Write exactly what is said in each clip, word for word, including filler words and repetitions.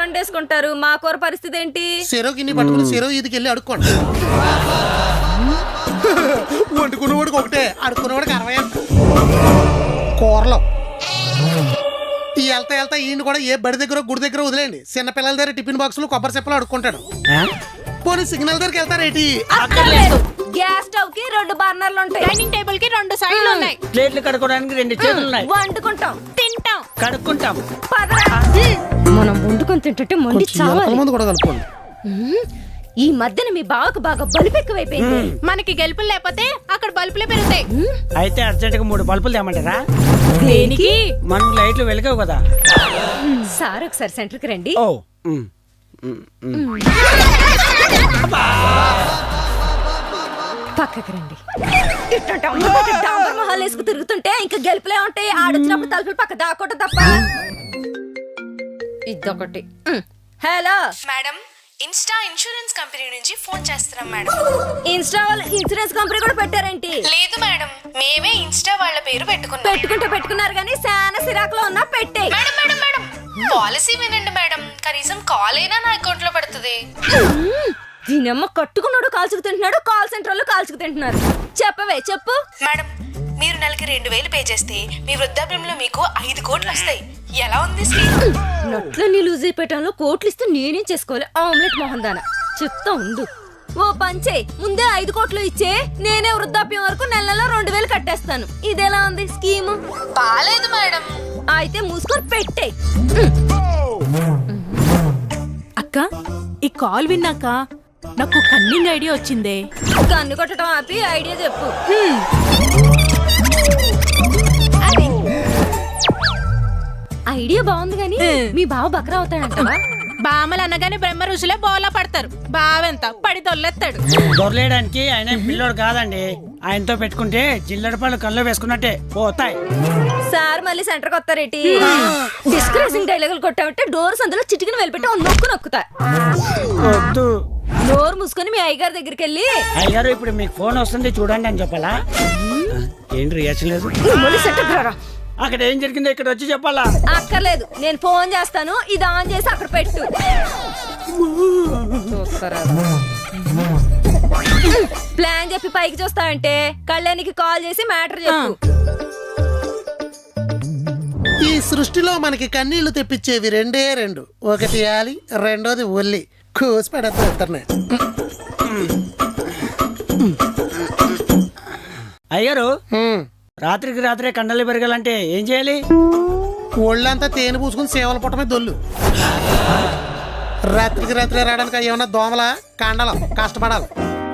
వండేసుకుంటారు, మా కూర పరిస్థితి ఏంటి? చెరువు గిన్నె పట్టుకుని చెరువు ఇదికి వెళ్ళి అడుక్కోండి. వండుకునేవాడికి ఒకటే, అడుక్కునేవాడికి అరవై కూరలో. వెళ్తా వెళ్తా ఈయన కూడా ఏ బడి దగ్గర గుడి దగ్గర వదిలేండి. చిన్నపిల్లల దగ్గర టిఫిన్ బాక్సులు కొబ్బరి చెప్పలు అడుక్కుంటాడు. పోనీ సిగ్నల్ దగ్గరికి వెళ్తారేటి? గ్యాస్ స్టవ్ కి రెండు బర్నర్లు ఉంటాయి, డైనింగ్ టేబుల్ కి రెండు సైడ్లు ఉన్నాయి, ప్లేట్లు కడుక్కోవడానికి రెండు చేతులు ఉన్నాయి, వండుకుంటాం, తింటాం, కడుక్కుంటాం. మనం వండుకొని తింటుంటే మండి చావాలి. మంది కూడా కలుపుకోండి. ఈ మధ్యన మీ బావకు బాగా బలుపు ఎక్కువైపోయింది. మనకి గెలుపులు లేకపోతే అక్కడ బల్బులే పెరుగుతాయి. అయితే అర్జెంట్ గా మూడు బల్బులు తేమంటారా? దేనికి? మనకు లైట్లు వెలగవు కదా. సార్ ఒకసారి సెంటర్ కి రండి. ఓ పక్కకి రండి. డాంబర్ మొహాలు వేసుకు తిరుగుతుంటే ఇంకా గెలుపులే ఉంటాయి. ఆడొచ్చినప్పుడు తలుపులు పక్క దాకోట తప్ప. ఇదొకటి. Hello madam, insta insurance company నుంచి ఫోన్ చేస్తున్నాం మేడం. ఇన్స్టా వాళ్ళు ఇన్సూరెన్స్ కంపెనీ కూడా పెట్టారేంటి? లేదు మేడం, మేమే ఇన్స్టా వాళ్ళ పేరు పెట్టుకున్నాం. పెట్టుకుంటే పెట్టుకున్నారు కానీ శానా సిరాకులో ఉన్నా పెట్టే. మేడం మేడం మేడం పాలసీ వినండి మేడం, కనీసం కాల్ అయినా నా అకౌంట్ లో పడుతుంది. దీనమ్మ కట్టుకున్నాడు కాల్చుకు తింటున్నాడు, కాల్ సెంటర్ లో కాల్చుకు తింటున్నారు. చెప్పవే చెప్పు. మేడం, మీరు నెలకి రెండు వేలు పే చేస్తే మీ వృద్ధాప్యంలో మీకు ఐదు కోట్లు వస్తాయి. ఎలా ఉంది స్కీమ్? నట్లని లూజ్ అయిపోయటంలో కోట్లు ఇస్తే నేనేం చేసుకోవాలి? ఆమ్లెట్ మొహం దాన చెప్తా ఉండు. ఓ పంచే, ముందే ఐదు కోట్లు ఇచ్చే, నేనే వృద్ధాప్యం వరకు నెల నెల రెండు వేలు కట్టేస్తాను. ఇదెలా ఉంది స్కీమ్? బాలేదు మేడం. అయితే మూసుకొని పెట్టే. అక్క, ఈ కాల్ విన్నాక నాకు కన్నింగ్ ఐడియా వచ్చిందే. కన్ను కొట్టడం ఆపి ఐడియా చెప్పు. ఐడియా బాగుంది గానీ మీ బావ బక్రా అవుతాడంటావా? బామలు అనగానే బ్రహ్మ ఋషులే బోలా పడతారు. బావెంత పడి దొల్లెత్తాడు. దొరలేయడానికి ఆయన పిల్లోడు కాదండి. ఆయనతో పెట్టుకుంటే జిల్లెడ పళ్ళు కళ్ళు వేసుకున్నట్టే పోతాయి. సార్ మళ్ళీ సెంటర్ కి వస్తారేటి? డిస్కరేసింగ్ డైలాగులు కొట్టామంటే డోర్ సందులో చిటికిన వెళ్ళిపెట్టి నొక్కు నొక్కుతా. వద్దు, డోర్ మూసుకొని మీ అయ్యగారి దగ్గరికి వెళ్ళి, అయ్యారు ఇప్పుడు మీకు ఫోన్ వస్తుంది చూడండి అని చెప్పాలా? ఏంటి రియాక్షన్ లేదు? మళ్ళీ సెంటర్ రారా. అక్కడ ఏం జరిగిందో ఇక్కడ వచ్చి చెప్పాలా? అక్కర్లేదు, నేను ఫోన్ చేస్తాను, ఇది ఆన్ చేసి అక్కడ పెట్టు. ప్లాన్ చెప్పి పైకి చూస్తావంటే కళ్యాణికి కాల్ చేసి మ్యాటర్ చెప్పు. ఈ సృష్టిలో మనకి కన్నీళ్లు తెప్పించేవి రెండే రెండు. ఒకటి యాలి, రెండోది ఒల్లి. కోసి పెడతా ఇద్దరిని. అయ్యారు రాత్రికి రాత్రే కండలు పెరగాలంటే ఏం చేయాలి? ఒళ్ళంతా తేనె పూసుకుని సేవల పుట్టమే దొల్లు. రాత్రికి రాత్రి రావడానికి ఏమన్నా దోమల కండలం కష్టపడాలి.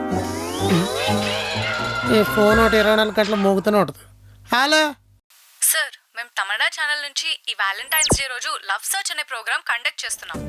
ఈ ఫోన్ ఒకటి ఇరవై నాలుగు గంటలు మోగుతూనే ఉంటుంది. హలో సార్, మేము తమిళ ఛానల్ నుంచి ఈ వ్యాలంటైన్స్ డే రోజు లవ్ సర్చ్ అనే ప్రోగ్రామ్ కండక్ట్ చేస్తున్నాం.